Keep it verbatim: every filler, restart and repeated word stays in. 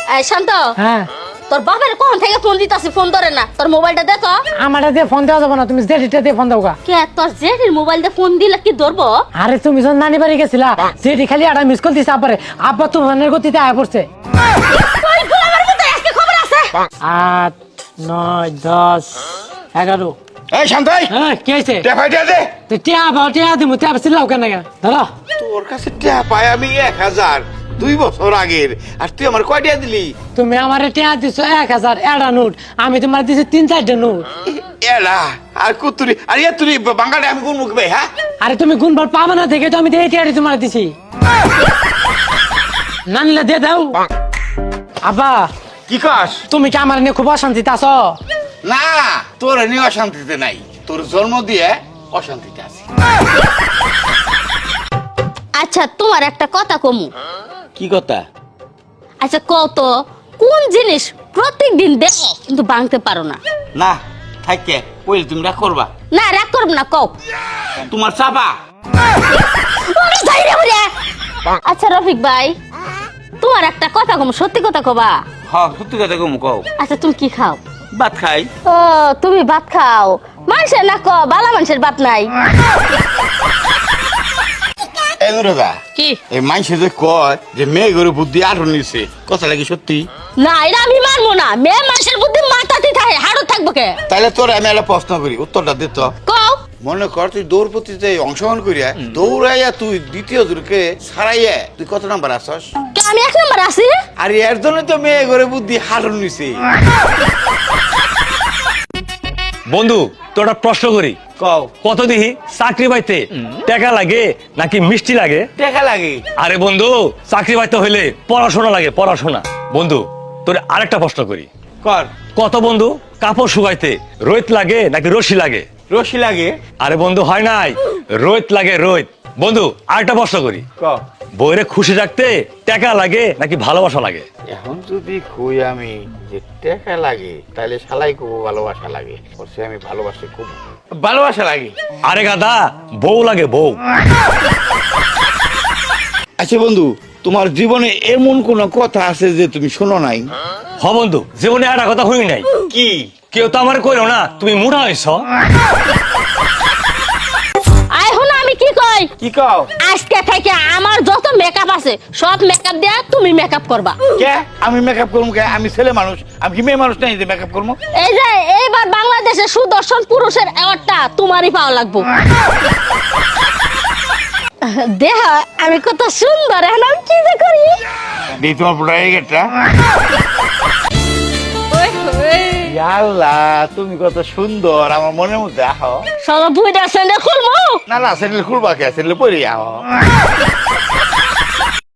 এই শান্ত, হ্যাঁ তোর বাবার কোন থেকে ফোন দিতাছি, ফোন ধরে না। তোর মোবাইলটা দে তো। আমারটা দিয়ে ফোন দেওয়া যাবে না, তুমি জেঠিটা দিয়ে ফোন দাও গা। কে তোর জেঠির মোবাইল দিয়ে ফোন দিলে কি ধরবো? আরে তুমি যখন নানি বাড়ি গেছিলা, জেঠি খালি একটা মিস কল দিছে আব্বারে, আব্বা তুফানের গতিতে আয়া পড়ছে। ওই গোলামের মতো আজকে খবর আছে। আট নয় দশ এগারো। এই শান্তাই, হ্যাঁ কি হয়েছে? টেপাইটা দে। তো টিয়া পাও, টিয়া দিমু, টিয়া চিল্লাও কেন গা? ধরো। তোর কাছে টেহা পাই আমি এক হাজার দুই বছর আগের, আর তুই আমার কয়টা দিলি? তুমি আমার টিয়া দিছো এক হাজার এডা নোট, আমি তোমার দিছি তিন চারটা নোট। এরা আর কুতুরি আর ইয়ে তুই বাঙালি আমি কোন মুখ ভাই? হ্যাঁ আরে তুমি গুনবার পাবা না দেখে তো আমি এই টিয়াটি তোমার দিছি। নানলে দিয়ে দাও। আব্বা কি কাজ? তুমি কি আমার নিয়ে খুব অশান্তিতে আছো? না, তোর নিয়ে অশান্তিতে নাই, তোর জন্ম দিয়ে অশান্তিতে আছি। আচ্ছা তোমার একটা কথা কমু। কি কথা? আচ্ছা কত কোন জিনিস প্রত্যেক দিন দেখো কিন্তু ভাঙতে পারো না? না থাকে কইলে তুমি রাগ করবা? না রাগ করব না, কও। তোমার চাপা। ওরে যাই রে ওরে। আচ্ছা রফিক ভাই, তোমার একটা কথা কম, সত্যি কথা কবা। হ্যাঁ সত্যি কথা কম কও। আচ্ছা তুমি কি খাও? ভাত খাই। ও তুমি ভাত খাও, মানুষের না ক বালা মানুষের ভাত নাই। এই নুরদা, কি এই মাইসে যে কয় যে মেয়ে গরু বুদ্ধি আরো নিছে, কথা লাগি সত্যি? না, এটা আমি মানবো না। মেয়ে মানুষের বুদ্ধি মাথাতে থাকে, হাড়ও থাকবো কে? তাহলে তোর আমি একটা প্রশ্ন করি, উত্তরটা দে তো। কও। মনে কর তুই দৌড় প্রতিযোগিতায় অংশগ্রহণ করিয়া দৌড়াইয়া তুই দ্বিতীয় জনকে ছাড়াইয়া তুই কত নাম্বার আসস? কে আমি এক নম্বর আছি? আর এর জন্য তো মেয়ে গরু বুদ্ধি হারন নিছে। বন্ধু তোরা প্রশ্ন করি, কও। কত দিহি চাকরি পাইতে টাকা লাগে নাকি মিষ্টি লাগে? দেখা লাগে। আরে বন্ধু, চাকরি পাইতে হইলে পড়াশোনা লাগে, পড়াশোনা। বন্ধু তোর আরেকটা প্রশ্ন করি, কর। কত বন্ধু কাপড় শুকাইতে রোদ লাগে নাকি রশি লাগে? রশি লাগে। আরে বন্ধু হয় নাই, রোদ লাগে রোদ। বন্ধু আরেকটা প্রশ্ন করি, ক। বউরে খুশি রাখতে টাকা লাগে নাকি ভালোবাসা লাগে? এখন যদি কই আমি যে টাকা লাগে, তাহলে শালাই খুব ভালোবাসা লাগে। বলছি আমি ভালোবাসি, খুব ভালোবাসা লাগে। আরে গাদা, বউ লাগে বউ। আচ্ছা বন্ধু, তোমার জীবনে এমন কোন কথা আছে যে তুমি শোনো নাই? হ বন্ধু, জীবনে একটা কথা হই নাই। কি? কেউ তো আমার কইলো না তুমি মোটা হইছ। আই হো না, আমি কি কই? কি কও? আজকে থেকে আমার যত মেকআপ আছে সব মেকআপ দেয়া তুমি মেকআপ করবা। কে? আমি মেকআপ করবো কে? আমি ছেলে মানুষ, আমি কি মেয়ে মানুষ নাই যে মেকআপ করবো? এই যে এইবার বাংলাদেশের সুদর্শন পুরুষের অ্যাওয়ার্ডটা তোমারই পাওয়া লাগবে। দেহ আমি কত সুন্দর, এখন আমি কি যে করি। দিই তোমার প্রোডাক্টটা। আল্লাহ, তুমি কত সুন্দর, আমার মনের মধ্যে আহো। সব বুইটা স্যান্ডেল খুলবো। না না, স্যান্ডেল খুলবা কে? স্যান্ডেল পরে আহো।